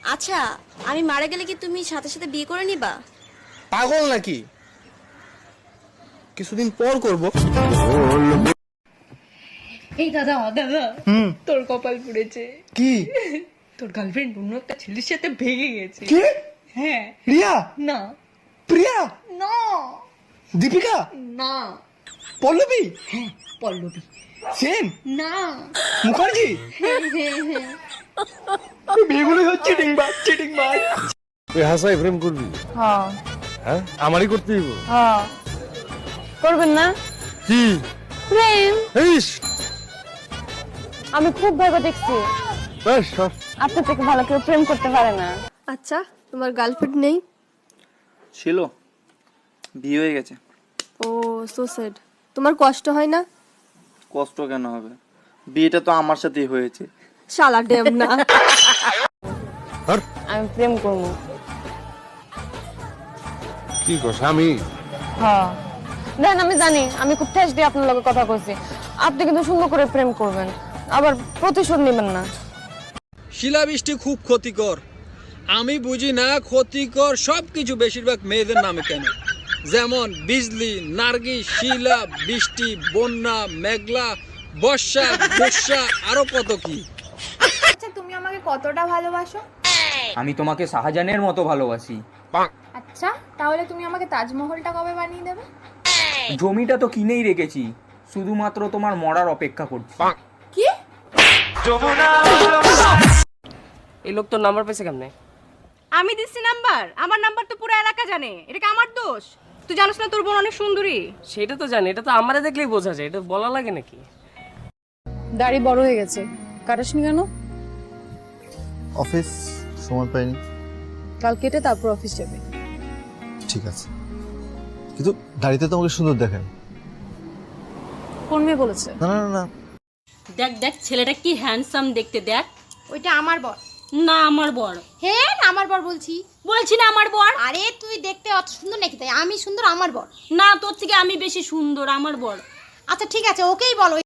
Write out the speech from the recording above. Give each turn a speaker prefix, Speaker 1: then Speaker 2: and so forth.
Speaker 1: আচ্ছা, আমি মারা গেলে কি তুমি সাথে সাথে বিয়ে করে নিবা?
Speaker 2: পাগল নাকি? কিছুদিন পর করব।
Speaker 3: এই দাদা তোর কপাল পুড়েছে।
Speaker 2: কি?
Speaker 3: তোর গার্লফ্রেন্ড অন্য একটা ছেলের সাথে ভেগে গেছে।
Speaker 2: কি?
Speaker 3: হ্যাঁ।
Speaker 2: রিয়া?
Speaker 3: না
Speaker 2: প্রিয়া?
Speaker 3: না
Speaker 2: দীপিকা?
Speaker 3: না।
Speaker 2: পল্লবী?
Speaker 3: হ্যাঁ পল্লবী।
Speaker 2: সেন?
Speaker 3: না।
Speaker 2: মুখার্জি? বেগুলো হচ্ছে চিটিং বাজ।
Speaker 4: তুই হাসাই প্রেম করবি?
Speaker 5: হ্যাঁ
Speaker 4: হ্যাঁ, আমারই করতে দিব।
Speaker 5: হ্যাঁ করবেন না
Speaker 4: কি
Speaker 5: প্রেম?
Speaker 4: ইস,
Speaker 5: আমি খুব ভেবে দেখছি
Speaker 4: বেশ সব।
Speaker 5: আপনার থেকে ভালো কেউ প্রেম করতে পারে না।
Speaker 1: আচ্ছা, তোমার গার্লফ্রেন্ড নেই?
Speaker 6: ছিল, বিয়ে হয়ে গেছে।
Speaker 1: Oh so sad. তোমার কষ্ট হয় না?
Speaker 6: কষ্ট কেন হবে, বিয়েটা তো আমার সাথেই হয়েছে।
Speaker 1: শালা ডেম না।
Speaker 5: আমি প্রেম করবো।
Speaker 4: কি কস? আমি
Speaker 5: হ্যাঁ দেন, আমি জানি আমি খুব ঠেস দিয়ে আপনার লগে কথা কইছি। আপনি কিন্তু সুন্দর করে প্রেম করবেন, আবার প্রতিশোধ নেবেন না।
Speaker 7: শিলাবৃষ্টি খুব ক্ষতিকর। আমি বুঝি না ক্ষতিকর সবকিছু বেশিরভাগ মেয়েদের নামে কেন, যেমন বিজলি, নার্গিস, শিলা, বৃষ্টি, বন্যা, মেঘলা, বর্ষা, বর্ষা, আরো কত কি।
Speaker 8: আচ্ছা তুমি আমাকে কতটা ভালোবাসো?
Speaker 9: আমি তোমাকে শাহজাহানের মতো ভালোবাসি।
Speaker 8: আচ্ছা তাহলে তুমি আমাকে তাজমহলটা কবে বানিয়ে দেবে?
Speaker 9: জমিটা তো কিনেই রেখেছি, শুধুমাত্র তোমার মরার অপেক্ষা করছি।
Speaker 8: কি?
Speaker 10: এই লোক তোর নাম্বার পেয়েছে কেমনে?
Speaker 3: আমি দিচ্ছি নাম্বার, আমার নাম্বার তো পুরো এলাকা জানে। এটা কি আমার দোষ? তুই জানিস না তোর বোন অনেক সুন্দরী?
Speaker 10: সেটা তো জানি, এটা তো আমারে দেখলেই বোঝা যায়, এটা বলা লাগে নাকি?
Speaker 5: দাড়ি বড় হয়ে গেছে, কাটাসনি কেন?
Speaker 11: অফিস সময় পাইনি।
Speaker 5: কাল কেটে তারপর অফিস যাবে।
Speaker 11: ঠিক আছে, কিন্তু দাড়িতে তোমাকে সুন্দর দেখায়।
Speaker 5: কোন মেয়ে বলেছে?
Speaker 11: না না না না,
Speaker 3: দেখ দেখ ছেলেটা কি হ্যান্ডসাম দেখতে, দেখ।
Speaker 8: ওইটা আমার বর।
Speaker 3: না আমার বর।
Speaker 8: হে না আমার বর বলছি।
Speaker 3: বলছি না আমার বর।
Speaker 8: আরে তুই দেখতে অত সুন্দর নাকি তাই আমি সুন্দর আমার বর?
Speaker 3: না, তোর থেকে আমি বেশি সুন্দর, আমার বর।
Speaker 8: আচ্ছা ঠিক আছে ওকেই বলো।